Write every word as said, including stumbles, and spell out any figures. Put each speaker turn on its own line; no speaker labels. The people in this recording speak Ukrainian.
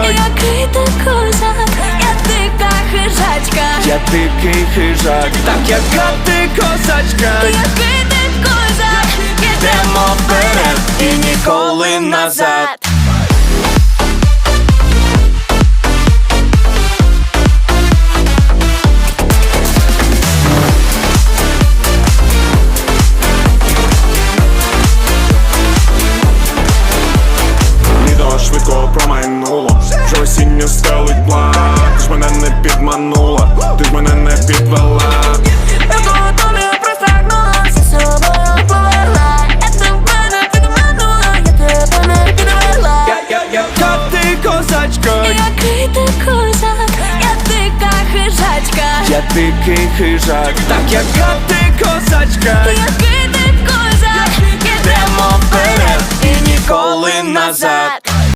Який ти козак, я дика хижачка.
Я дикий хижак, так яка ти козачка.
Який ти козак,
Йдемо вперед і ніколи назад.
Швидко промайнуло, вже осінню стелить план. Ти ж мене не підманула, ти ж мене не підвела.
Я до тобі простягнулася, з собою повела. Я тебе не підманула, я тебе не підвела.
Я, я, яка ти козачка.
Який ти козак, я дика хижачка.
Я дикий хижак, так яка ти козачка.
Який ти козак,
Йдемо вперед і ніколи назад.